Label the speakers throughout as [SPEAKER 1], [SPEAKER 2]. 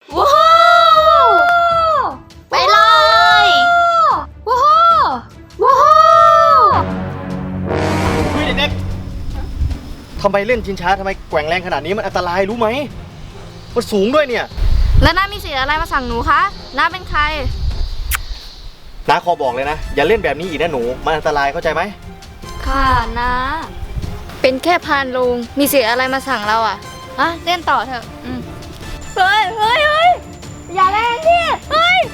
[SPEAKER 1] ว้าวไปเลยว้าวว้าว
[SPEAKER 2] เฮ้ยเด็กๆทำไมเล่นชิงช้าทำไมแกว่งแรงขนาดนี้มันอันตรายรู้ไหมมันสูงด้วยเนี่ย
[SPEAKER 1] แล้วน้ามีสิทธิ์อะไรมาสั่งหนูคะน้าเป็นใคร
[SPEAKER 2] น้าขอบอกเลยนะอย่าเล่นแบบนี้อีกนะหนูมันอันตรายเข้าใจไหม
[SPEAKER 1] ค่ะน้าเป็นแค่พานลุงมีสิทธิ์อะไรมาสั่งเราอ่ะเล่นต่อเถอะเฮ้ยเฮ้ยเฮ้ยอย่าเล่นดิเฮ้ย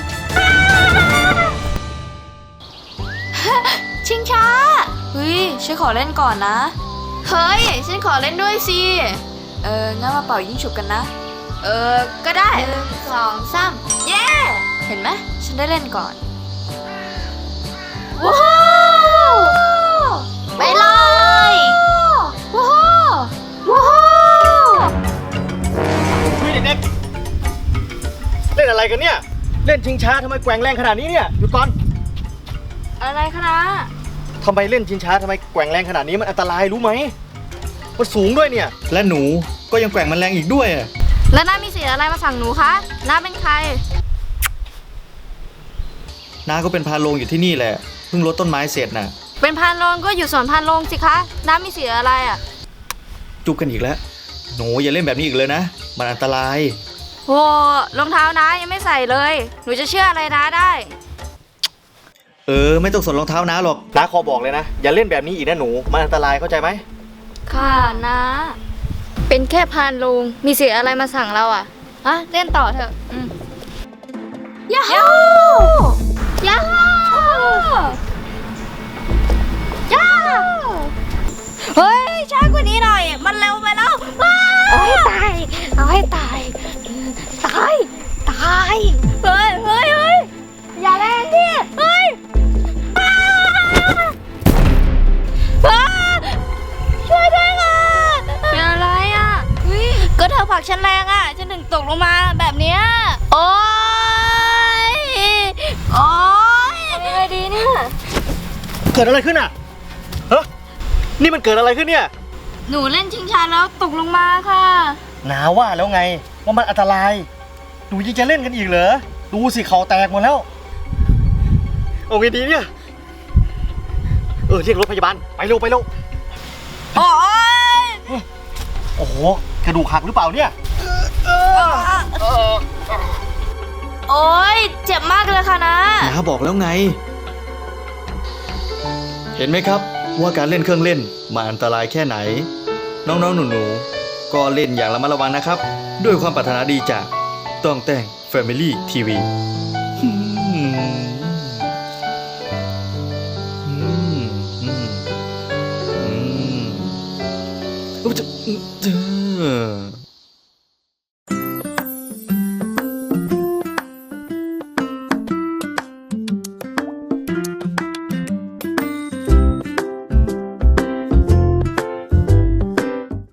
[SPEAKER 1] ชิงช้าเฮ้ยฉันขอเล่นก่อนนะเฮ้ยฉันขอเล่นด้วยสิงั้นมาเป่ายิงฉุบกันนะก็ได้1 2 3เย้เห็นไหมฉันได้เล่นก่อนว้าวไปเลยว้าวว้าว
[SPEAKER 2] เฮ้ยเด็กๆเล่นอะไรกันเนี่ยเล่นชิงช้าทำไมแกว่งแรงขนาดนี้เนี่ยหยุดก่อน
[SPEAKER 1] อะไรคะนะ
[SPEAKER 2] ทำไมเล่นชิงช้าทำไมแกว่งแรงขนาดนี้มันอันตรายรู้ไหมมันสูงด้วยเนี่ยและหนูก็ยังแกว่งมันแรงอีกด้วย
[SPEAKER 1] แล้วน้ามีสิทธิ์อะไรมาสั่งหนูคะน้าเป็นใคร
[SPEAKER 2] น้าก็เป็นพาโรงอยู่ที่นี่แหละเพิ่งรดต้นไม้เสร็จน่ะ
[SPEAKER 1] เป็นพานโรงก็อยู่สวนพานโรงสิคะน้ามีสิทธิ์อะไรอ่ะ
[SPEAKER 2] จุกกันอีกแล้วหนูอย่าเล่นแบบนี้อีกเลยนะมันอันตราย
[SPEAKER 1] โหรองเท้าน้ายังไม่ใส่เลยหนูจะเชื่ออะไรน้าได้
[SPEAKER 2] ไม่ต้องสนรองเท้าน้าหรอกน้าขอบอกเลยนะอย่าเล่นแบบนี้อีกนะหนูมันอันตรายเข้าใจไหม
[SPEAKER 1] ค่ะน้าเป็นแค่พานโรงมีสิทธิ์อะไรมาสั่งเราอ่ะเล่นต่อเถอะยาฮูยาฮูยาเฮ้ยช้ากว่านี้หน่อยมันเร็วไปแล้วเอาให้ตายเอาให้ตายตายตายเฮ้ยเฮ้ยเฮ้ยอย่าแรงดิเฮ้ยช่วยด้วยค่ะเป็นอะไรอ่ะก็เธอผลักฉันแรงอ่ะฉันถึงตกลงมาแบบเนี้ยโอ๊ยโอ๊ยอะไรดีเนี่ย
[SPEAKER 2] เกิดอะไรขึ้นอ่ะเฮ้ยนี่มันเกิดอะไรขึ้นเนี่ย
[SPEAKER 1] หนูเล่นชิงช้าแล้วตกลงมาค่ะ
[SPEAKER 2] น้าว่าแล้วไงว่ามันอันตรายหนูยังจะเล่นกันอีกเหรอดูสิเขาแตกหมดแล้วเอาไงดีเนี่ยเรียกรถพยาบาลไปเร็วไปเร็ว
[SPEAKER 1] โอ๊ย
[SPEAKER 2] โอ้โหกระดูกหักหรือเปล่าเนี่ย
[SPEAKER 1] โอ๊ยเจ็บมากเลยค่ะนะ
[SPEAKER 2] น้าบอกแล้วไงเห็นไหมครับว่าการเล่นเครื่องเล่นมันอันตรายแค่ไหนน้องๆหนูๆก็เล่นอย่างระมัดระวังนะครับด้วยความปรารถนาดีจากต้องแต่ง Family TV